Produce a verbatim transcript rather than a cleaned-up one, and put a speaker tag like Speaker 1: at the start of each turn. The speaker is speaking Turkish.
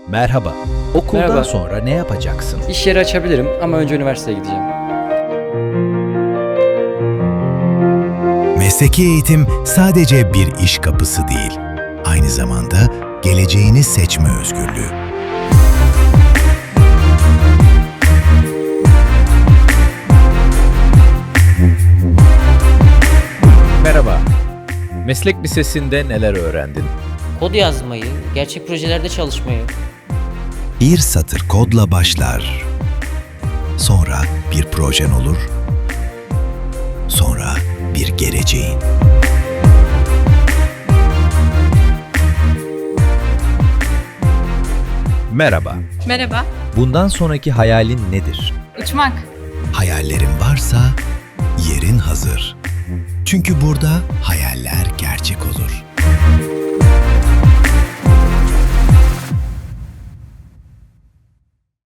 Speaker 1: Merhaba. Okuldan
Speaker 2: Merhaba.
Speaker 1: sonra ne yapacaksın?
Speaker 2: İş yeri açabilirim ama önce üniversiteye gideceğim.
Speaker 3: Mesleki eğitim sadece bir iş kapısı değil, aynı zamanda geleceğini seçme özgürlüğü.
Speaker 1: Merhaba. Meslek lisesinde neler öğrendin?
Speaker 4: Kod yazmayı, gerçek projelerde çalışmayı,
Speaker 3: Bir satır kodla başlar. Sonra bir projen olur. Sonra bir geleceğin.
Speaker 1: Merhaba.
Speaker 5: Merhaba,
Speaker 1: Bundan sonraki hayalin nedir?
Speaker 5: uçmak.
Speaker 3: Hayallerin varsa yerin hazır. Çünkü burada hayaller gerçek olur.